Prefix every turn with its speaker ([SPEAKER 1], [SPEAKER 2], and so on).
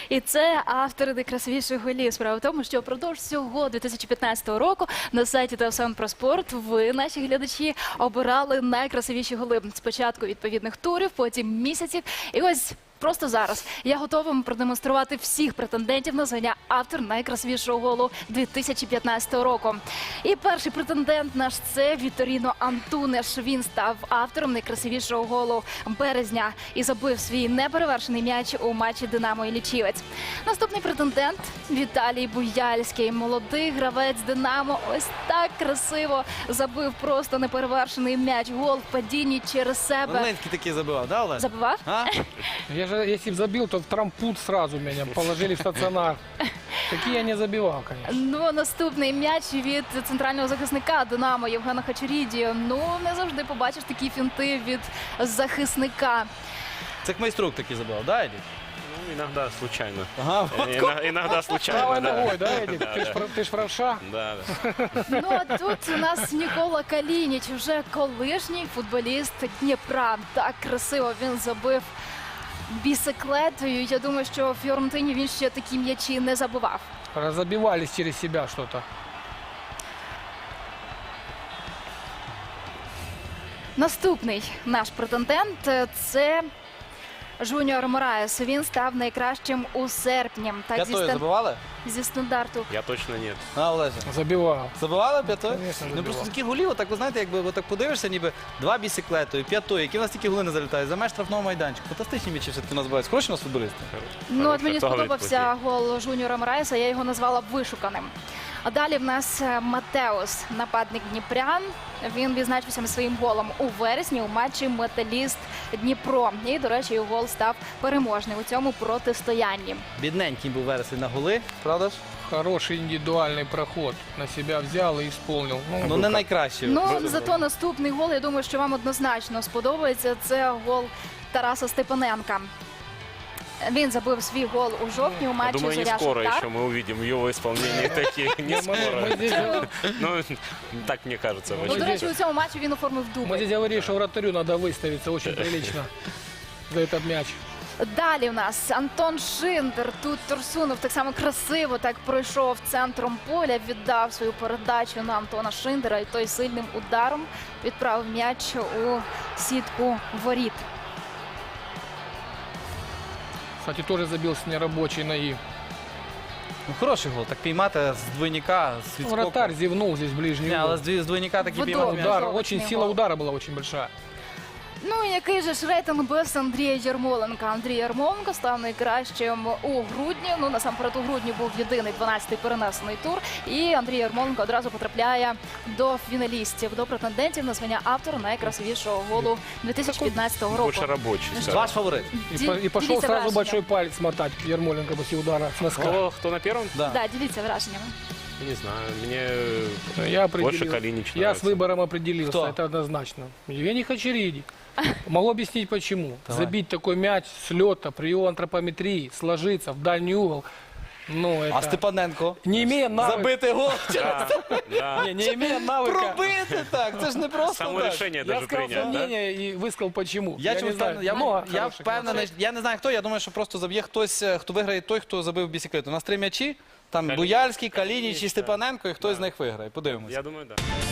[SPEAKER 1] І це автори найкрасивіших голів. Справа в тому, що впродовж всього 2015 року на сайті ТСН про спорт ви, наші глядачі, обирали найкрасивіші голи. Спочатку відповідних турів, потім місяців. І ось просто зараз я готова вам продемонструвати всіх претендентів на звання автор найкрасивішого голу 2015 року. І перший претендент наш – це Вітторіно Антунеш. Він став автором найкрасивішого голу березня і забив свій неперевершений м'яч у матчі «Динамо» і «Лічівець». Наступний претендент – Віталій Буяльський. Молодий гравець «Динамо» ось так красиво забив просто неперевершений м'яч. Гол в падінні через себе.
[SPEAKER 2] Волинський такий забивав, да, Олег?
[SPEAKER 1] Забивав?
[SPEAKER 2] А?
[SPEAKER 3] Если бы забил, то в трампут сразу меня положили в стационар. Такие я не забивал, конечно.
[SPEAKER 1] Ну, наступний м'яч від центрального захисника «Динамо» Євгена Хачеріді. Ну, не завжди побачиш такі фінти від захисника.
[SPEAKER 2] Це Майструк такий забивав, да, Едік?
[SPEAKER 4] Ну, иногда случайно.
[SPEAKER 2] Ага,
[SPEAKER 4] Иногда случайно,
[SPEAKER 3] Правой
[SPEAKER 4] да.
[SPEAKER 3] ногой, да, Эдик?
[SPEAKER 4] Да,
[SPEAKER 3] Ты ж правша.
[SPEAKER 4] да, да.
[SPEAKER 1] Ну, а тут у нас Нікола Калініч, вже колишній футболіст Дніпра. Так красиво він забив бісиклетою. Я думаю, що в Фіорентині він ще такі м'ячі не забивав.
[SPEAKER 3] Разобивались через себя что-то.
[SPEAKER 1] Наступний наш претендент – це Жуніор Мораєс. Він став найкращим у серпні. Так,
[SPEAKER 2] п'ятою забивали?
[SPEAKER 1] зі стандарту.
[SPEAKER 4] Я точно нет.
[SPEAKER 2] А, Олеже?
[SPEAKER 3] Забивал.
[SPEAKER 2] Забивали п'ятою?
[SPEAKER 3] Конечно,
[SPEAKER 2] Ну,
[SPEAKER 3] забивав.
[SPEAKER 2] просто такі голів, так ви знаєте, якби ви так подивишся, ніби два бісиклетою, п'ятою, які в нас тільки голи не залітають, за меж штрафного майданчика. Фантастичні м'ячі все-таки у нас бувають. Хороші у нас футболісти?
[SPEAKER 1] Ну, от мені
[SPEAKER 4] Хто говорить
[SPEAKER 1] сподобався гол Жуніора Мораєса, я його назвала вишуканим. А далі в нас Матеус, нападник дніпрян. Він відзначився своїм голом у вересні у матчі «Металіст Дніпро». І, до речі, його гол став переможним у цьому протистоянні.
[SPEAKER 2] Бідненький був вересень на голи, правда ж?
[SPEAKER 3] Хороший индивидуальный проход. На себя взял и исполнил.
[SPEAKER 2] Ну, не найкращий.
[SPEAKER 1] Ну, зато наступний гол, я думаю, що вам однозначно сподобається. Це гол Тараса Степаненка. Він забив свій гол у жовтні у
[SPEAKER 4] Я
[SPEAKER 1] матчі
[SPEAKER 4] думаю, не
[SPEAKER 1] «Зоря
[SPEAKER 4] скоро
[SPEAKER 1] Шахтар».
[SPEAKER 4] еще мы увидим в его исполнении такие. Не скоро.
[SPEAKER 3] Мы здесь,
[SPEAKER 4] Ну, так мне кажется.
[SPEAKER 1] Ну, до
[SPEAKER 4] очень
[SPEAKER 1] речі, у цьому матчі він оформив
[SPEAKER 3] мы
[SPEAKER 1] дубль.
[SPEAKER 3] здесь говорили, что вратарю надо выставиться очень прилично за этот мяч.
[SPEAKER 1] Далі в нас Антон Шиндер. Тут Турсунов так само красиво так пройшов центром поля, віддав свою передачу на Антона Шиндера і той сильним ударом відправив м'яч у сітку воріт.
[SPEAKER 3] Кстати, тоже забил с нерабочей ноги.
[SPEAKER 2] Ну, хороший гол. Так піймати з двойника, з
[SPEAKER 3] Ну,
[SPEAKER 2] відскоку.
[SPEAKER 3] вратарь зевнул здесь ближний
[SPEAKER 2] Ні, але
[SPEAKER 3] угол.
[SPEAKER 2] з двойника такий
[SPEAKER 1] Вдома.
[SPEAKER 2] піймати м'яч.
[SPEAKER 3] Удар,
[SPEAKER 1] Жовтний
[SPEAKER 3] очень
[SPEAKER 1] гол.
[SPEAKER 3] сила удара была очень большая.
[SPEAKER 1] Ну і який же ж рейтинг без Андрія Ярмоленка? Андрій Ярмоленко став найкращим у грудні. Ну, насамперед, у грудні був єдиний 12-й перенесений тур. І Андрій Ярмоленко одразу потрапляє до фіналістів, до претендентів на звання автора найкрасивішого голу 2015 року.
[SPEAKER 4] больше рабочий. скажем.
[SPEAKER 2] Ваш фаворит?
[SPEAKER 3] И пошел
[SPEAKER 1] Деліться
[SPEAKER 3] сразу
[SPEAKER 1] враженням.
[SPEAKER 3] большой палец мотать Ермоленко после удара с носка.
[SPEAKER 4] Кто на первом?
[SPEAKER 2] Да.
[SPEAKER 1] Да, діліться враженнями.
[SPEAKER 4] Не знаю. Мне
[SPEAKER 3] Я
[SPEAKER 4] больше
[SPEAKER 3] определил.
[SPEAKER 4] Калинич
[SPEAKER 3] Я с
[SPEAKER 4] нравится.
[SPEAKER 3] выбором определился,
[SPEAKER 2] Кто?
[SPEAKER 3] это однозначно. Евгений Хачериди. Могу объяснить почему. Забить такой мяч с лета при его антропометрии, сложиться в дальний угол. Ну, это...
[SPEAKER 2] А Степаненко?
[SPEAKER 3] Не имея навыка.
[SPEAKER 2] Забити гол?
[SPEAKER 4] Да, да.
[SPEAKER 3] Не имея навыка.
[SPEAKER 2] Пробити так, це ж не просто
[SPEAKER 4] Само
[SPEAKER 2] так.
[SPEAKER 4] решение
[SPEAKER 3] Я
[SPEAKER 4] даже
[SPEAKER 3] сказал
[SPEAKER 4] принять, да?
[SPEAKER 3] мнение и высказал почему.
[SPEAKER 2] Я
[SPEAKER 3] не
[SPEAKER 2] чомусь
[SPEAKER 3] знаю,
[SPEAKER 2] впевнений,
[SPEAKER 3] много
[SPEAKER 2] я
[SPEAKER 3] хороших
[SPEAKER 2] впевнений, я не знаю хто, я думаю, що просто заб'є хтось, хто виграє той, хто забив бісиклету. У нас 3 м'ячі, там
[SPEAKER 4] Калініч,
[SPEAKER 2] Буяльський, Калініч і
[SPEAKER 4] Калініч,
[SPEAKER 2] Степаненко, і хтось з них виграє. Подивимося.
[SPEAKER 4] Я думаю, да.